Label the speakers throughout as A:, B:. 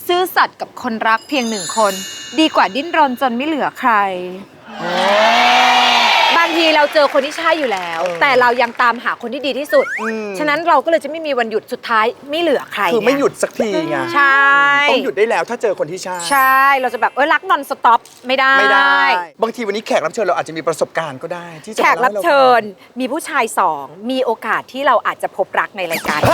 A: ซื่อสัตย์กับคนรักเพียงหนึ่งคนดีกว่าดิ้นรนจนไม่เหลือใครบางทีเราเจอคนที่ใช่อยู่แล้วแต่เรายังตามหาคนที่ดีที่สุดฉะนั้นเราก็เลยจะไม่มีวันหยุดสุดท้ายไม่เหลือใคร
B: คือไม่หยุดสักทีไง
A: ใช่
B: ต้องหยุดได้แล้วถ้าเจอคนที่ใช่
A: ใช่เราจะแบบรักนอนสต็อปไม่ได้
B: บางทีวันนี้แขกรับเชิญเราอาจจะมีประสบการณ์ก็ได้ที่จะ
A: แขกรับเชิญมีผู้ชาย2มีโอกาสที่เราอาจจะพบรักในรายการ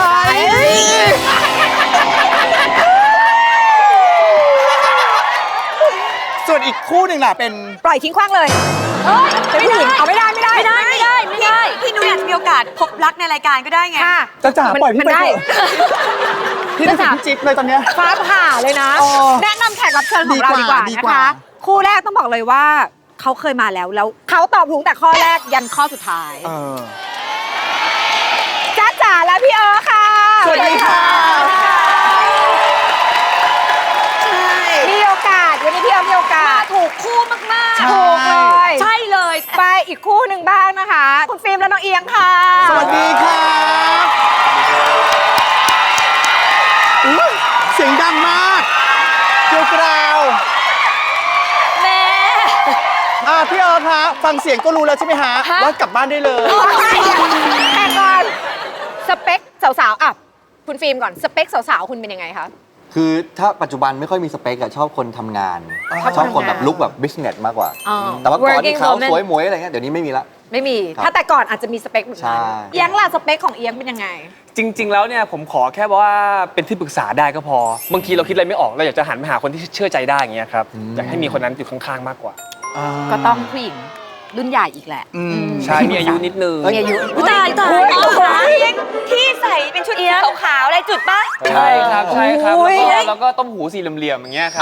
B: ส่วนอีกคู่หนึ่งล่ะเป็น
A: ปล่อยทิ้งขว้างเลยเป็นผู้หญิงเอาไม่ได้
C: พี่นุ้ยอาจจะมีโอกาสพบรักในรายการก็ได้ไง
B: จ้าจ๋าปล่อยพี่ไปเถอะพี่จะพี่จิ๊บเลยตอนเนี้ย
A: ฟ้าผ่าเลยนะแนะนำแขกรับเชิญของเราดีกว่านะคะคู่แรกต้องบอกเลยว่าเขาเคยมาแล้วเขาตอบถูกแต่ข้อแรกยันข้อสุดท้ายจ้าจ๋าและพี่ค่ะ
B: สวัสดีค่ะ
A: มีโอกาสวันนี้พี่มีโอกาส
C: ถูกคู่มาก
A: ๆถูกเลย
C: ใช่เลย
A: ไปอีกคู่หนึ่งบ้างนะคะคุณฟิล์มและน้องเอียงค่ะ
B: สวัสดีค่ะเสียงดังมากเกลียวกราว
C: แม่
B: พี่คะฟังเสียงก็รู้แล้วใช่ไหมฮะว่ากลับบ้านได้เลย
A: แต่ก่อนสเปคสาวๆคุณฟิล์มก่อนสเปคสาวๆคุณเป็นยังไงคะ
D: คือถ้าปัจจุบันไม่ค่อยมีสเปคอะชอบคนทำงานชอบคนแบบลุคแบบบิสเนสมากกว่าแต่ว่าก่อนที่เขาสวยหมวยอะไรเงี้ยเดี๋ยวนี้ไม่มีละ
A: ไม่มีถ้าแต่ก่อนอาจจะมีสเปคแบบนั้นเอียงล่ะสเปคของเอียงเป็นยังไง
E: จริงๆแล้วเนี่ยผมขอแค่ว่าเป็นที่ปรึกษาได้ก็พอบางทีเราคิดอะไรไม่ออกเราอยากจะหันไปหาคนที่เชื่อใจได้อย่างเงี้ยครับอยากให้มีคนนั้นอยู่ข้างๆมากกว่า
A: ก็ต้องผู้หญิงรุ่นใหญ่อีกแหละ
E: ใช่มีอายุนิดนึง
A: มีอายุ
C: ตายที่ใส่เป็นชุดขาวๆอะไรจุดปะ
E: ใช่ครับแล้วก็ต้มหูสี่เหลี่ยมๆอย่างเงี้ยครับ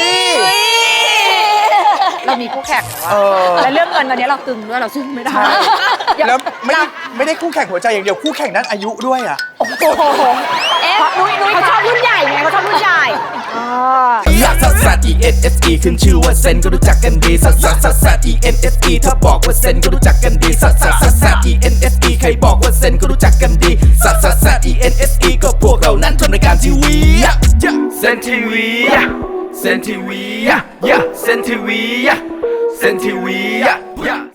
A: เรามีคู่แข่งแล้วเรื่องเงินตอนนี้เราตึงด้วยเราซึ่งไม่ได้
B: แล้วไม่ได้คู่แข่งหัวใจอย่างเดียวคู่แข่งด้านอายุด้วยอ่ะ
A: โอ้โหนุ้ยเขาชอบรุ่นใหญ่ไงเขาชอบรุ่นใหญ่
F: ลักซัสซัส ENSE ขึ้นชื่อว่าเซนก็รู้จักกันดีซัสซัสซัสซัส ENSE ถ้าบอกว่าเซนก็รู้จักกันดีซัสซัสซัสซัส ENSE ใครบอกว่าเซนก็รู้จักกันดีซัสซัสซัส ENSE ก็พวกเรานั้นทำรายการทีวีเซนทีวีเซนทีวีเซนทีวีเซนทีวี